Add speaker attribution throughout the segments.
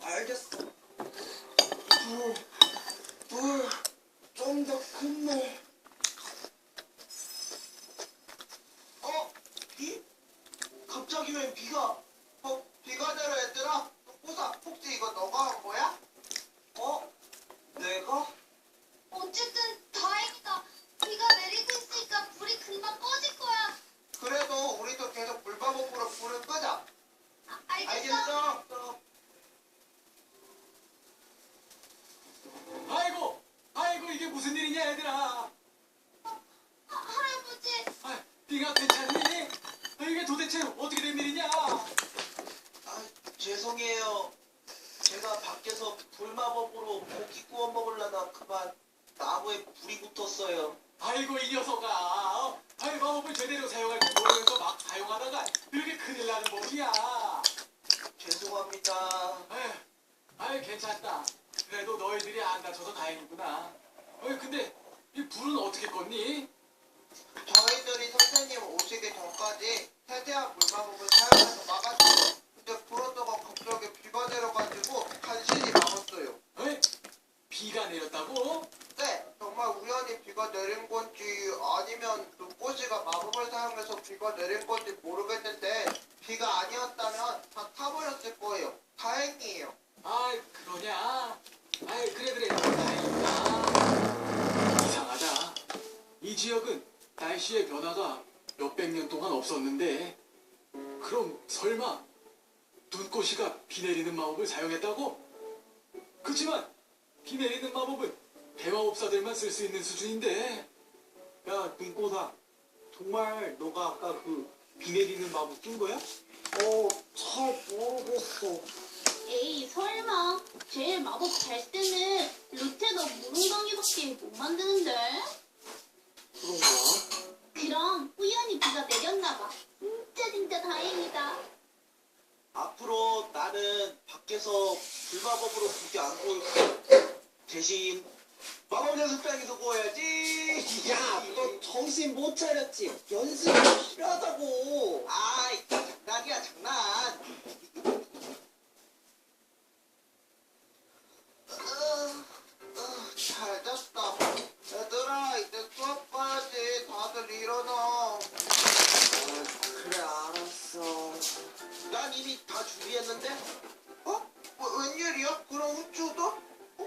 Speaker 1: 알겠어. 물 좀 더 큰 물. 비? 갑자기 왜 비가? 비가 내려 얘들아. 호사, 혹시 이거 너가 한 거야? 내가?
Speaker 2: 어쨌든 다행이다. 비가 내리고 있으니까 불이 금방 꺼질 거야.
Speaker 1: 그래도 우리도 계속 물방울로 불을 끄자.
Speaker 2: 알겠어.
Speaker 3: 아이고 이게 무슨 일이냐 얘들아.
Speaker 2: 할아버지.
Speaker 3: 네가 괜찮니? 이게 도대체 어떻게 된 일이냐?
Speaker 1: 죄송해요. 제가 밖에서 불마법으로 고기 구워 먹으려다 그만 나무에 불이 붙었어요.
Speaker 3: 아이고 이 녀석아. 마법을 제대로 사용할 줄 모르면서 막 사용하다가 이렇게 큰일 나는 법이야.
Speaker 1: 죄송합니다.
Speaker 3: 괜찮다. 그래도 너희들이 안 다쳐서 다행이구나. 근데 이 불은 어떻게 껐니?
Speaker 1: 저희들이 선생님 오시기 전까지 세대한 물마법을 사용해서 막았어요. 근데 그러다가 갑자기 비가 내려가지고 간신히 막았어요.
Speaker 3: 비가 내렸다고?
Speaker 1: 네, 정말 우연히 비가 내린 건지 아니면 눈꽃이가 마법을 사용해서 비가 내린 건지 모르겠는데 비가 아니었다면 다 타버렸을 거예요. 다행이에요.
Speaker 3: 그러냐? 그래 다행이다. 이상하다. 이 지역은 날씨의 변화가 몇백 년 동안 없었는데 그럼 설마 눈꽃이가 비 내리는 마법을 사용했다고? 그치만 비 내리는 마법은 대마법사들만 쓸 수 있는 수준인데.
Speaker 4: 야, 눈꽃아. 정말 너가 아까 그 비 내리는 마법 낀 거야?
Speaker 1: 잘 모르겠어.
Speaker 2: 에이 설마. 제일 마법 잘 쓰는 루테너 무릉덩이밖에 못 만드는데.
Speaker 4: 그런가?
Speaker 2: 그럼 우연히 비가 내렸나 봐. 진짜 다행이다.
Speaker 1: 앞으로 나는 밖에서 불마법으로 고기 안 구울 대신 마법 연습장에서 구워야지.
Speaker 4: 야, 너 정신 못 차렸지? 연습이 필요하다고.
Speaker 1: 아이, 장난이야, 장난. 잘 잤다. 얘들아, 이제 수업 가야지. 다들 일어나. 그래, 알았어. 난 이미 다 준비했는데? 웬일이야? 그럼 후추도?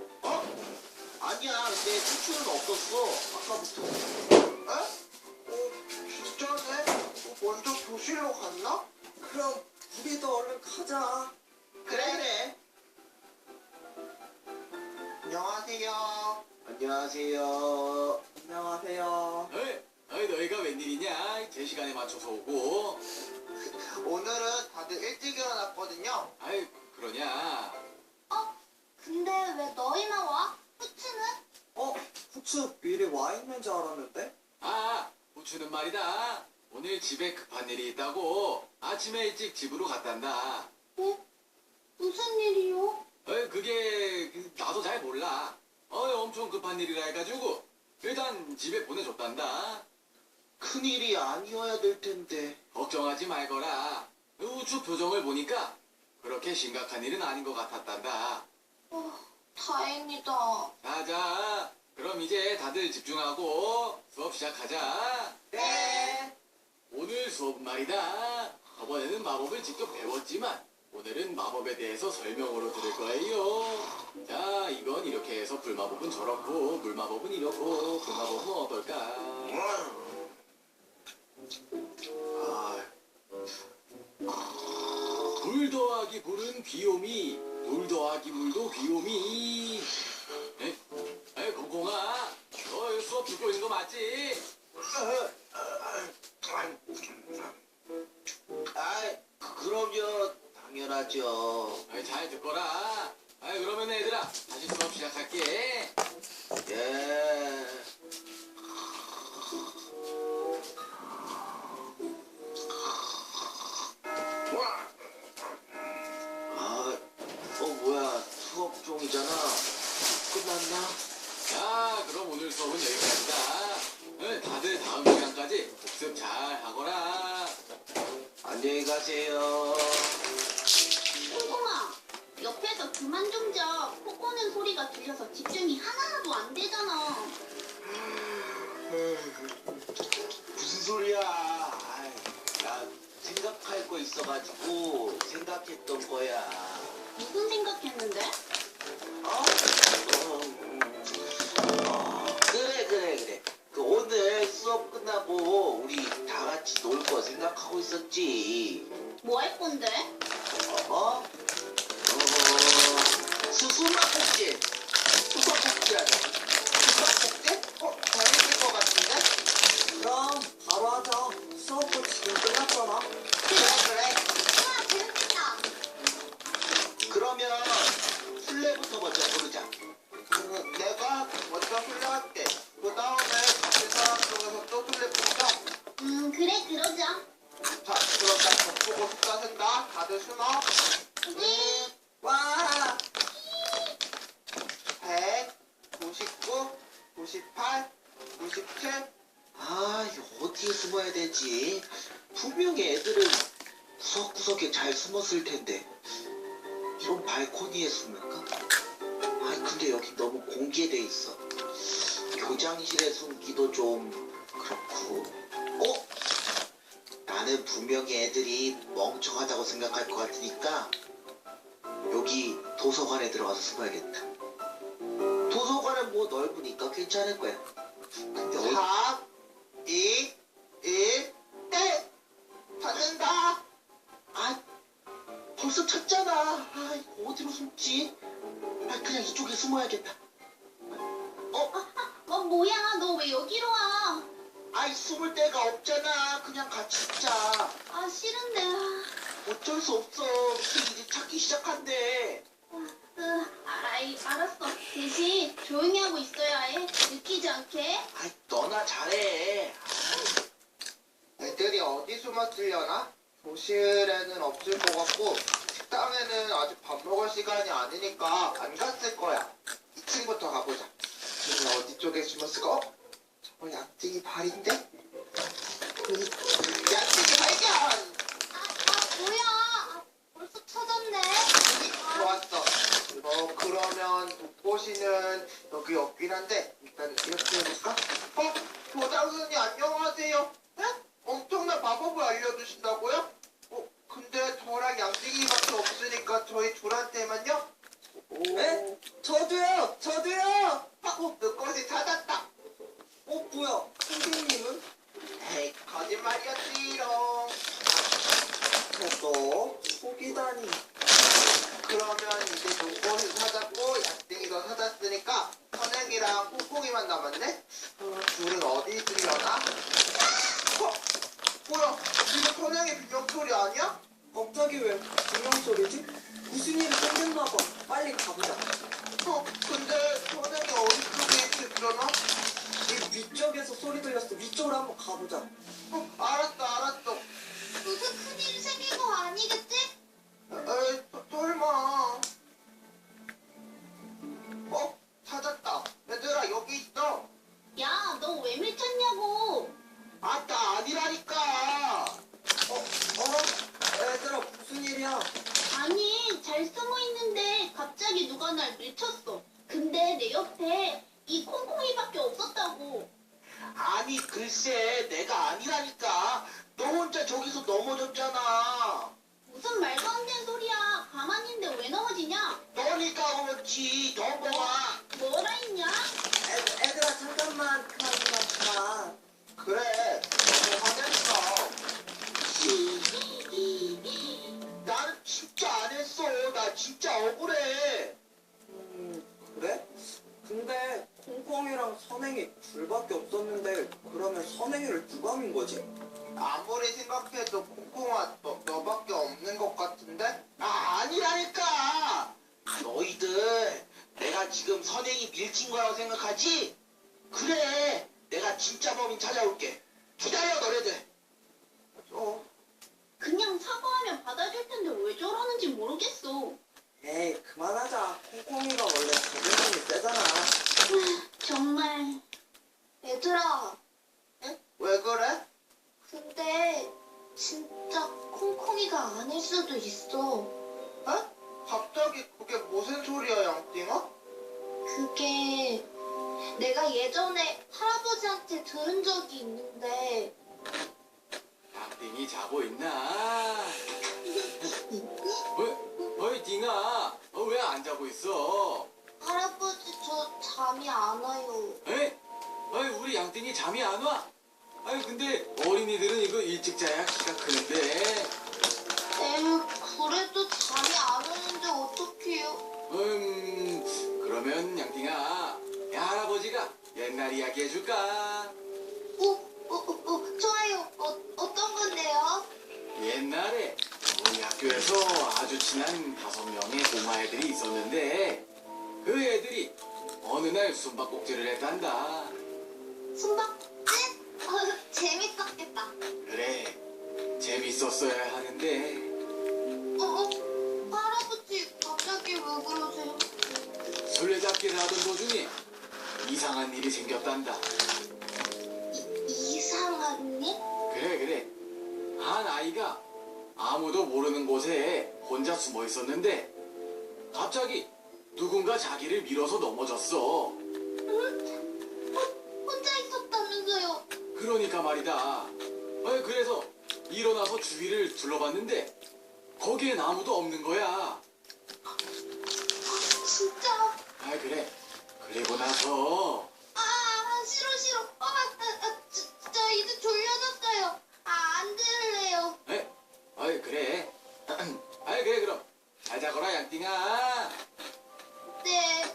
Speaker 1: 아니야, 근데 후추는 없었어. 아까부터. 진짜네? 먼저 교실로 갔나? 그럼 우리도 얼른 가자. 그래. 안녕하세요. 안녕하세요.
Speaker 4: 안녕하세요.
Speaker 3: 너희가 웬일이냐? 제 시간에 맞춰서 오고.
Speaker 1: 오늘은 다들 일찍 일어났거든요.
Speaker 3: 그러냐?
Speaker 2: 근데 왜 너희만 와? 후추는?
Speaker 4: 후추 미리 와 있는 줄 알았는데?
Speaker 3: 후추는 말이다. 오늘 집에 급한 일이 있다고 아침에 일찍 집으로 갔단다.
Speaker 2: 무슨 일이요?
Speaker 3: 그게 나도 잘 몰라. 엄청 급한 일이라 해가지고 일단 집에 보내줬단다.
Speaker 1: 큰일이 아니어야 될 텐데.
Speaker 3: 걱정하지 말거라. 후추 표정을 보니까 그렇게 심각한 일은 아닌 것 같았단다.
Speaker 2: 다행이다.
Speaker 3: 자, 그럼 이제 다들 집중하고 수업 시작하자.
Speaker 1: 네.
Speaker 3: 오늘 수업 말이다. 저번에는 마법을 직접 배웠지만 오늘은 마법에 대해서 설명으로 들을 거예요. 자, 이건 이렇게 해서 불마법은 저렇고 물마법은 이렇고 불마법은 어떨까? 불 더하기 불은 비오미, 물 더하기 물도 비오미. 공공아, 너 수업 듣고 있는 거 맞지?
Speaker 1: 그럼요. 당연하죠.
Speaker 3: 잘 듣거라. 그러면 얘들아, 다시 수업 시작할게.
Speaker 1: 예. 뭐야. 수업 종이잖아. 끝났나?
Speaker 3: 자, 그럼 오늘 수업은 여기까지다. 다들 다음 시간까지 복습 잘 하거라.
Speaker 1: 안녕히 가세요.
Speaker 2: 홍콩아, 옆에서 그만 잠만 좀 자. 코 고는 소리가 들려서 집중이 하나도 안 되잖아.
Speaker 5: 무슨 소리야? 아이, 나 생각할 거 있어가지고 생각했던 거야.
Speaker 2: 무슨 생각했는데?
Speaker 5: 어? 그래. 그 오늘 수업 끝나고 우리 다 같이 놀 거 생각하고 있었지.
Speaker 2: 뭐 할 건데?
Speaker 5: 수박꼭질. 수박꼭질하자.
Speaker 1: 수박꼭질? 재밌을 것 같은데?
Speaker 6: 그럼 바로 하자. 수업도 지금 끝났잖아.
Speaker 5: 그래.
Speaker 2: 우와, 재밌겠다.
Speaker 5: 그러면 술래부터 먼저 부르자.
Speaker 1: 내가 먼저 훈련할게. 그 다음에 같은 사람 중에서 또 술래 뽑자.
Speaker 2: 그래, 그러자.
Speaker 1: 자, 그럼 나 벽보고 숫자 센다. 다들 숨어.
Speaker 6: 와!
Speaker 1: 100, 99, 98, 97.
Speaker 5: 아, 이거 어디에 숨어야 되지? 분명히 애들은 구석구석에 잘 숨었을 텐데. 이런 발코니에 숨을까? 아, 근데 여기 너무 공개돼 있어. 교장실에 숨기도 좀 그렇고. 나는 분명히 애들이 멍청하다고 생각할 것 같으니까 여기 도서관에 들어가서 숨어야겠다. 도서관은 뭐 넓으니까 괜찮을 거야. 근데
Speaker 1: 4, 2, 1, 땡! 찾는다.
Speaker 5: 아, 벌써 찾잖아. 아, 이거 어디로 숨지? 아, 그냥 이쪽에 숨어야겠다.
Speaker 2: 뭐야, 너 왜 여기로 와?
Speaker 5: 아이, 숨을 데가 없잖아. 그냥 같이 있자.
Speaker 2: 아, 싫은데.
Speaker 5: 어쩔 수 없어. 이제 찾기 시작한대.
Speaker 2: 알았어. 대신 조용히 하고 있어야 해. 느끼지 않게.
Speaker 5: 아이, 너나 잘해.
Speaker 1: 애들이 어디 숨었으려나? 교실에는 없을 것 같고 식당에는 아직 밥 먹을 시간이 아니니까 안 갔을 거야. 2층부터 가보자. 얘는 어디 쪽에 숨었을까? 저거 약쟁이 발인데? 약쟁이 발견!
Speaker 2: 뭐야. 벌써 찾았네.
Speaker 1: 좋았어. 그러면 독고시는 여기 없긴 한데 일단 이렇게 해볼까? 교장선생님 안녕하세요. 네? 엄청난 마법을 알려주신다고요? 근데 저랑 양띵이밖에 없으니까 저희 둘한테만요?
Speaker 6: 네? 저도요!
Speaker 1: 독고시 찾았다.
Speaker 6: 뭐야? 선생님은?
Speaker 1: 에이, 거짓말이었지롱.
Speaker 6: 너 속이다니.
Speaker 1: 그러면 이제 독고시 찾았고 양띵이도 찾았으니까 선행이랑 콩콩이만 남았네? 둘은 어디 있으려나? 뭐야? 이거 선행의 비명소리 아니야?
Speaker 6: 갑자기 왜 비명소리지? 무슨 일이 생겼나봐. 빨리 가보자.
Speaker 1: 근데 선행이 어디 쪽에 있으려나?
Speaker 6: 이 위쪽에서 소리 들렸어. 위쪽으로 한번 가보자.
Speaker 1: 알았어.
Speaker 2: 무슨 큰일이 생긴 거 아니겠지?
Speaker 1: 에이, 설마. 찾았다. 얘들아, 여기 있어.
Speaker 2: 야, 너 왜 밀쳤냐고.
Speaker 5: 아, 나 아니라니까.
Speaker 6: 얘들아, 무슨 일이야?
Speaker 2: 아니, 잘 숨어 있는데 갑자기 누가 날 밀쳤어. 근데 내 옆에 이 콩콩이밖에 없었다고.
Speaker 5: 아니, 글쎄, 내가 아니라니까. 너 혼자 저기서 넘어졌잖아.
Speaker 2: 무슨 말도 안 되는 소리야. 가만히 있는데 왜 넘어지냐?
Speaker 5: 너니까 그렇지. 넘어와.
Speaker 2: 뭐라 했냐?
Speaker 6: 애들아, 잠깐만. 그만.
Speaker 1: 그래, 너무 화냈어.
Speaker 5: 나는 진짜 안 했어. 나 진짜 억울해.
Speaker 6: 그래? 근데 콩콩이랑 선행이 둘밖에 없었는데 그러면 선행이를 누가 민 거지?
Speaker 1: 아무리 생각해도 콩콩아, 너밖에 없는 것 같은데?
Speaker 5: 아니라니까. 너희들 내가 지금 선행이 밀친 거라고 생각하지? 그래. 내가 진짜 범인 찾아올게. 기다려, 너네들.
Speaker 2: 그냥 사과하면 받아줄 텐데 왜 저러는지 모르겠어.
Speaker 6: 에이, 그만하자. 콩콩이가 원래 자존심이 세잖아.
Speaker 2: 정말. 얘들아,
Speaker 1: 왜 그래?
Speaker 2: 근데 진짜 콩콩이가 아닐 수도 있어.
Speaker 1: 갑자기 그게 무슨 소리야?
Speaker 2: 그게 내가 예전에 할아버지한테 들은 적이 있는데
Speaker 3: 양띵이 자고 있나? 어이 띵아, 왜 안 자고 있어?
Speaker 2: 할아버지 저 잠이 안 와요.
Speaker 3: 에? 아이 우리 양띵이 잠이 안 와? 아이 근데 어린이들은 이거 일찍 자야 키가 크는데.
Speaker 2: 그래도 잠이 안 오는데 어떡해요?
Speaker 3: 그러면 양띵아, 야, 할아버지가 옛날 이야기 해줄까?
Speaker 2: 좋아요. 어떤 건데요?
Speaker 3: 옛날에 우리 학교에서 아주 친한 5명의 꼬마 애들이 있었는데 그 애들이 어느 날 숨바꼭질을 했단다.
Speaker 2: 숨바꼭질? 재밌었겠다.
Speaker 3: 그래, 재밌었어야 하는데
Speaker 2: 할아버지 갑자기 왜 그러세요?
Speaker 3: 술래잡기를 하던 도중에 이상한 일이 생겼단다.
Speaker 2: 이상한 일?
Speaker 3: 그래. 한 아이가 아무도 모르는 곳에 혼자 숨어 있었는데 갑자기 누군가 자기를 밀어서 넘어졌어.
Speaker 2: 혼자 있었다면서요?
Speaker 3: 그러니까 말이다. 그래서 일어나서 주위를 둘러봤는데 거기엔 아무도 없는 거야.
Speaker 2: 진짜?
Speaker 3: 그래. 그리고 나서
Speaker 2: 싫어. 저 이제 졸려졌어요. 안 들을래요.
Speaker 3: 그래. 그래 그럼 잘 자거라 양띵아.
Speaker 2: 네.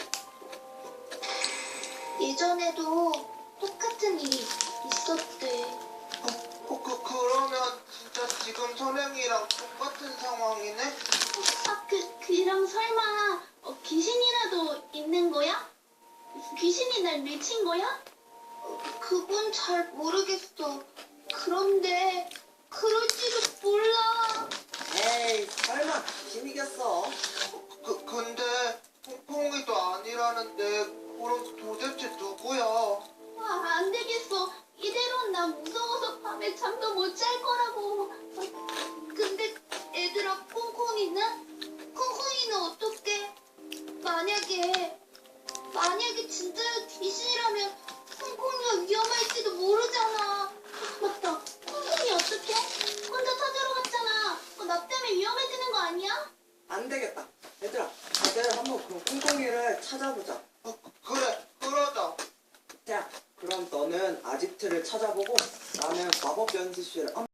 Speaker 2: 예전에도 똑같은 일이 있었대.
Speaker 1: 그러면 진짜 지금 선행이랑 똑같은 상황이네?
Speaker 2: 그럼 설마 귀신이라도 있는 거야? 귀신이 날 미친 거야? 그건 잘 모르겠어. 그런데 그럴지도 몰라.
Speaker 6: 에이, 설마 귀신이겠어?
Speaker 1: 근데 퐁퐁이도 아니라는데 그럼 도대체 누구야?
Speaker 2: 안 되겠어. 이대로는 난 무서워서 밤에 잠도 못 잘 거라고. 근데 얘들아, 콩콩이는? 콩콩이는 어떡해? 만약에 진짜 귀신이라면 콩콩이가 위험할지도 모르잖아. 맞다. 콩콩이 어떡해? 혼자 찾으러 갔잖아. 나 때문에 위험해지는 거 아니야?
Speaker 6: 안 되겠다. 얘들아, 다들 한번 그 콩콩이를 찾아보자.
Speaker 1: 그래, 그러자.
Speaker 6: 자, 그럼 너는 아지트를 찾아보고 나는 마법 연습실을